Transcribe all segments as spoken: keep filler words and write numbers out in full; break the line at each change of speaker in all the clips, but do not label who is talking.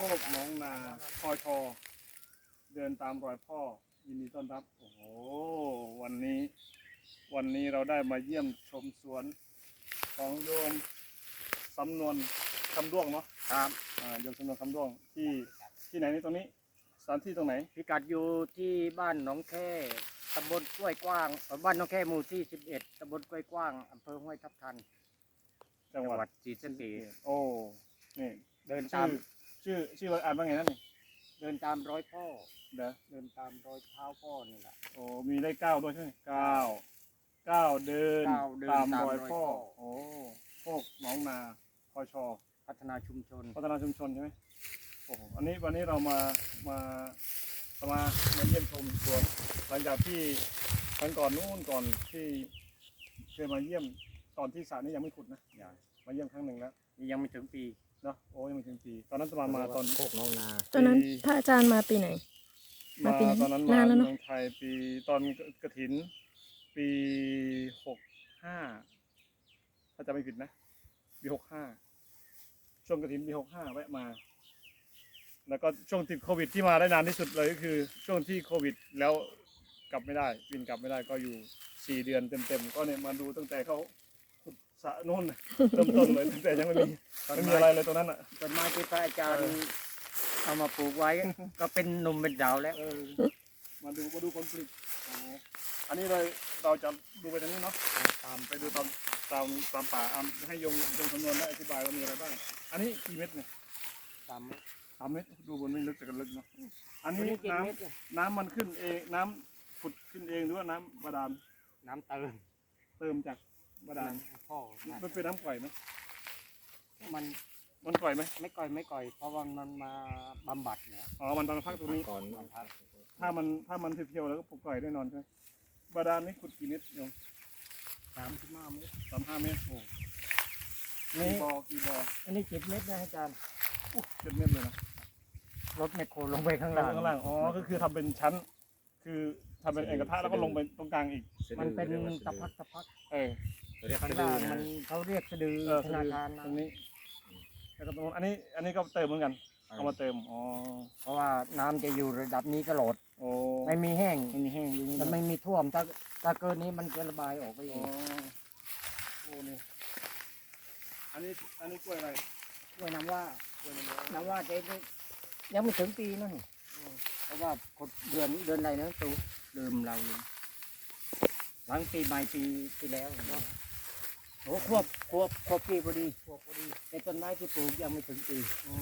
กน้องนาพอชอเดินตามรอยพ่อยินดีต้อนรับโอ้โหวันนี้วันนี้เราได้มาเยี่ยมชมสวนของโยมสำนวนคำด้วงเนาะครับอ่าโยมสำนวนคำด้วงที่ที่ไหนนี่ตรงนี้สถานที่ตรงไหน
พิกัดอยู่ที่บ้านหนองแค่ตำบลกล้วยกว้างบ้านหนองแค่หมู่ที่สิบเอ็ดตำบลกล้วยกว้างอำเภอห้วยทับทัน
จังหวัด
ศรีสะเกษ
โอ้นี่
เดินตาม
ชื่อชื่ออ่านว่าไงนั่นนี่
เดินตามรอยพ่อ
เด้อ
เดินตามรอยเท้าพ่อนี่แหละ
โอ้มีได้เก้าด้วยใช่ไหมเก้าเก้าเดินตามรอยพ่อโอ้พวกหนองนาพอชอ
พัฒนาชุมชน
พัฒนาชุมชนใช่ไหมโอ้โหอันนี้วันนี้เรามามามามาเยี่ยมชมสวนหลังจากที่ครั้งก่อนนู้นก่อนที่เคยมาเยี่ยมตอนที่สระนี้ยังไม่ขุดนะมาเยี่ยมครั้งหนึ่งแล้ว
นี่ยังไม่ถึงปี
เนาะโอ้ยังไม่ถึงปีตอนนั้นจะมามาตอน
โคกน้องนา
ตอนนั้นพระอาจารย์มาปีไหน
มาตอนนั้นมาเมืองไทยปีตอนกฐินปีหกห้าถ้าจะไม่ผิดนะปีหกห้าช่วงกฐินปีหกห้าแวะมาแล้วก็ช่วงติดโควิดที่มาได้นานที่สุดเลยก็คือช่วงที่โควิดแล้วกลับไม่ได้บินกลับไม่ได้ก็อยู่สี่เดือนเต็มๆก็เนี่ยมาดูตั้งแต่เขาขุดสระนู่นเริ่มต้นเลยตั้งแต่ยังไม่มีไม่มีอะไรเลยตรงนั้นอ่ะ
ต้นไม้ที่พระอาจารย์เอามาปลูกไว้ก็เป็นหนุ่มเป็นดาวแล้ว
มาดูมาดูผลผลิตอันนี้เลยเราจะดูไปทางนี้เนาะตามไปดูตามตามตามป่าให้ยงยงคำนวณและอธิบายว่ามีอะไรบ้างอันนี้กี่เม็ดเนี่ย
สาม
สามเม็ดดูบนไม่ลึกแต่กันลึกเนาะอันนี้น้ำน้ำมันขึ้นเองน้ำขุดขึ้นเองหรือว่าน้ำบาดาล
น้ำเติม
เติมจากบาดาล
พ่อ
มันเป็นน้ำก่อยไหม
มัน
มันก่อยไหม
ไม่ก่อยไม่ก่อยเพราะว่ามันมาบำบัดเนี่ย
อ๋อมันตอนพักตรงนี้
ก่อน
ถ้ามันถ้ามันเพียวๆแล้วก็ปลูกก่อยแน่นอนใช่ไหมบาดาลนี่ขุดกี่เม็ดโยม
สามสิบห้าเมตร
สามห้าเมตรโอ้กี่บ่อกี่บ่อ
อันนี้เจ็ดเมตรนะอาจารย์
เจ็ดเมตรเลยนะ
รถแมคโครลงไปข้างล่าง
ข้างล่างอ๋อก็คือทำเป็นชั้นคือทำเป็นเอกกระทะแล้วก็ลงไปตรงกลางอีก
มันเป็นตะพักตะพัก
เออ
ข้างล่างมันเขาเรียกสะดือธนาคาร
ตรงนี้แล้วก็ตรงอันนี้อันนี้ก็เติมเหมือนกันเอามาเติมอ๋อ
เพราะว่าน้ำจะอยู่ระดับนี้ตลอด
โอ้
ไม่มีแห้ง
ไม่มีแห้งอยู่นี่
มันไม่มีท่วมถ้าถ้าเกินนี้มันจะระบายออกไปเอง
โอ้นี่อันนี้อันนี้กล้วยอะไร
กล้วยน้ำว่าน้ำว่าเจ๊ยังไม่ถึงปีนั่นเพราะว่าเดือนเดือนอะไรนะตูลืมเราลืมหลังปีใหม่ปีที่แล้วเนาะโอ้ควบควบควบปีพอดีควบพอดีแต่ต้นไม้ที่ปลูกยังไม่ถึงปี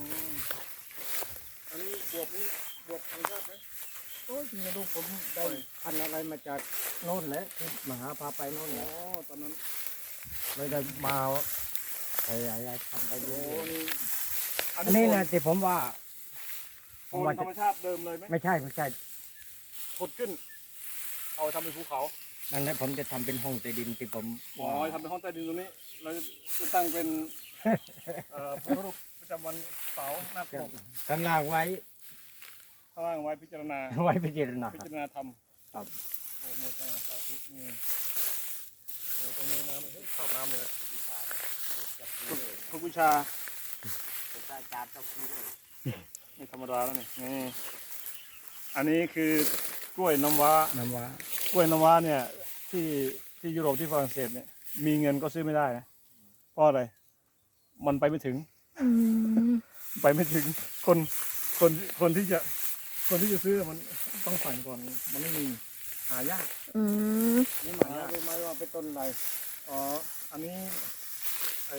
อันนี้บวบนี่บวบธรรมชาติไหม
โอ้ยไม่รู้ผมได้พันอะไรมาจากโน่นแหละที่มหาพาไปโน่นแหละ
ตอนนั้น
เลยได้มาอะไรทำไปเยอะ
อัน
นี้นะที่ผมว่า
โคนธรรมชาติเดิมเลยไหม
ไม่ใช่ไม่ใช่
ขุดขึ้นเอาทำเป็นภูเขา
นั่นแหละผมจะทำเป็นห้องใต้ดินที่ผม
อ๋อทำเป็นห้องใต้ดินตรงนี้เราจะตั้งเป็นเอ่อพระรูปประจำวันเสาร์หน้าปก
ข้างล่างไว้
ข้างล่างไว้พิจารณา
ไว้พิจารณา
พิจารณาธรรม
ครับ
โอ้โหสาธุนี่โอ้โหตรงนี้น้ำชอบน้ำเลยทุกวิชา
ผมอาจารย์เจ้าคือด้วย
ไม่ธรรมดาแล้วนี่นี่อันนี้คือกล้วยน้ำว้า
น้ำว้าก
ล้วยน้ำว้าเนี่ยที่ที่ยุโรปที่ฝรั่งเศสเนี่ยมีเงินก็ซื้อไม่ได้นะเพราะอะไรมันไปไม่ถึงไปไม่ถึงคนคนคนที่จะคนที่จะซื้อมันต้องสั่งก่อนมันไม่มีหายาก
นี่หมายรู้ไหมว่าเป็นต้นอะไร
อ๋ออันนี้ไอ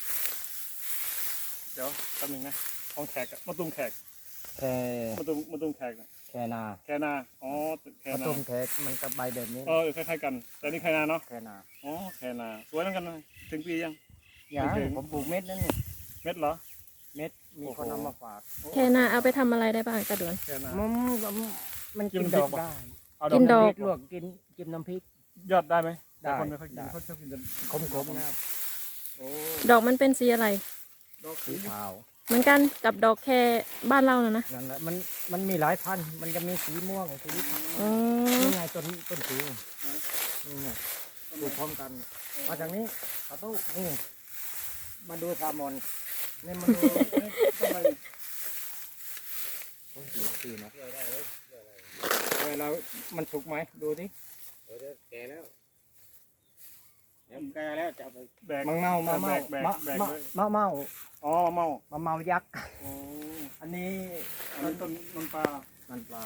เดี๋ยวแป๊บนึงนะของแขกมะตูมแขก
แค่
มะตูมมะตูมแขก
แค่นา
แค่นาอ๋อ
แค่นามะตูมแขกมันกับใบแบบนี้
เออคล้ายๆกันแต่นี่แค่นาเนาะ
แค่นา
อ๋อแค่นาสวยเหมือนกันเลยถึงปียัง
ยังผมปลูกเม็ดนั่นนี่
เม็ดเหรอ
เม็ดมีคนนำมาฝาก
แค่นาเอาไปทำอะไรได้บ้างกระดวน
มันมันกินดอกได้
กินดอก
ลวกกินกินน้ำพริก
ยอดได้ไหม
ได้
คนไม่ค่อยกินเขาชอบกิน
ขมขมนะ
ดอกมันเป็นสีอะไร
ดอก
สีขาว
เหมือนกันกับดอกแค่บ้านเรานะนะ
นั่นแหละมันมันมีหลายพันธุ์มันจะมีสีม่วงสี
อ๋อ
นี่ไงต้นต้นสีนี่ไงดูพร้อมกันมาจากนี้ประตูนี่มาดูซามอนนี่มาดู
ต้นอะไร
มันสุกไหมดูดิ
เดี๋ยวแก่แล้วเดี๋ยวแก่แล้วจะเอาไป
แบก
มังเมามะเมา
แบกแบก
มะ
แบก
มะ
เลย
มะเมา
อ๋อเมาม
ะเมายักษ์
โอ้
อันนี้
อันนี้ต้นมันปลา
มันปลา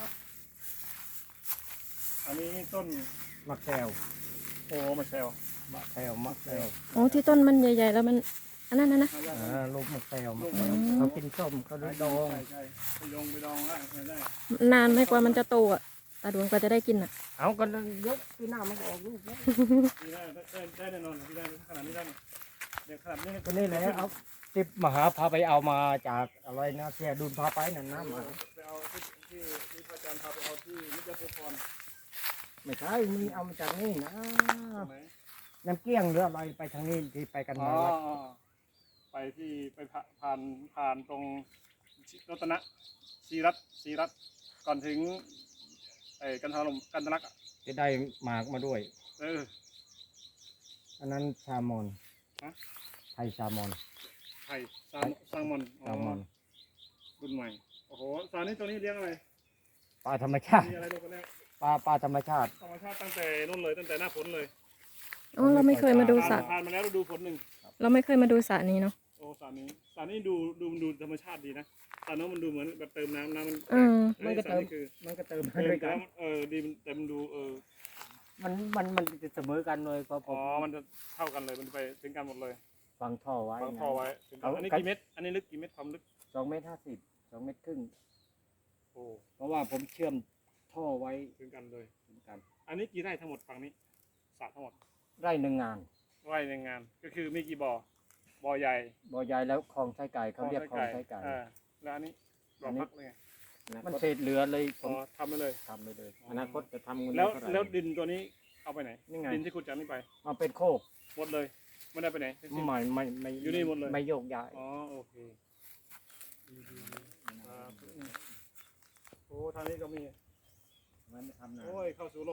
อันนี้ต้น
มะแขว
โอ้มาแซว
มะแขวมะแขว
โอ้ที่ต้นมันใหญ่ๆแล้วมันอันนั้นนะนะ
หายาก
อ่าลูกมะแขวมะแข
อื
ว
ม
เขากินส้มเขาด้วยดอง
ใช่ใช่ไปดองไปดองได้ใช้ได้
นานไหมกว่ามันจะโตอ่ะตาดวงกว่าจะได้กินอ่ะ
เอากันเยอะปีหน้ามันก็ออกลูกแล้ว
ที่ได้ได้ได้แน่นอนที่ได้ขนาดนี้ได้เนี่ยเดี๋ยวขนาดนี้
ก็นี่แหละเอาติบมหาพาไปเอามาจากอะไรนะเสียดุลพาไปนั่นนะมา
ไปเอาที่ที่ที่พระอาจารย์พาไปเอาที่นิจภูพร
ไม่ใช่มีเอามาจากนี่นะ
ใช่ไหม
น้ำเกลี้ยงหรืออะไรไปทางนี้ที่ไปกัน
อ๋อ
มาวัด
อ๋อไปที่ไปผ่าผ่านผ่านตรงรัตนะชีรัตชีรัตก่อนถึงไอ้กันทาลมกันทะลักอะ
จะได้หมากมาด้วย
เออ
อันนั้นชามอน
ฮะ
ไทยชามอน
ไข่ซามซามอนอ๋อ
ชามอน
รุ่นใหม่โอ้โหสารนี้ตัวนี้เลี้ยงอะไร
ปลาธรรมชาติ
มีอะไรดูกันแรก
ปลาปลาธรรมชาติ
ธรรมชาติตั้งแต่นู่นเลยตั้งแต่หน้าฝนเลย
อ๋อเราไม่เคยมาดูสระ
ผ่านมาแล้วฤดูฝนหนึ่ง
เราไม่เคยมาดูสระนี้เนาะ
โอ้สารนี้สารนี้ดูดูดูธรรมชาติดีนะสารนู้นมันดูเหมือนแบบเติมน้ำน้ำมัน
เออ
มันก็เติม
สารคือ
มันก็เติม
เติม
ด้วย
แต่
กัน
ว่าเออดีมันแต่มันดูเออ
มันมันมันจะเสมอกันเลยเพราะผ
อ๋อ
ม
มันจะเท่ากันเลยมันไปถึงกันหมดเลย
ฟังท่อไว้
วางท่อไว้ถึงกัน
เอา
อันนี้
กัน
กี่เม็ดอันนี้ลึกกี่เม็ดความลึก
สองเมตรห้าสิบสองเมตรครึ่ง
โอ้
เพราะว่าผมเชื่อมท่อไว้
ถึงกันเลย
เหมือนกัน
อันนี้กี่ไร่ทั้งหมดฝั่งนี้สระทั้งหมด
ไร่หนึ่งงาน
ไร่ในงานก็คือมีกี่บ่อบ่อใหญ่
บ่อใหญ่แล้วคลองไส้ไก่เขาเรียกคลองไส้ไก่
อ่าแล้วอันนี้บ่อพักเลยไง
มันเศษเหลือเลยผ
อ๋อ
ม
ทำไปเลย
ทำไปเลยอนาคตจะทำเงิน
แล้ว
เท่าไหร่
แล้วดินตัวนี้เอาไปไหน
นี่ไง
ดินที่ขุดจากนี้ไป
มาเป็นโคก
หมดเลยไม่ได้ไปไหนทั้งสิ้น
ไม่ไม่ไม่
อยู่นี่หมดเลย
ไม่โยกย้าย
อ๋อโอเคดีดีดีครับโอ้ทางนี้ก็มี
มันทำนา
โอ้ยเข้าสู่โลก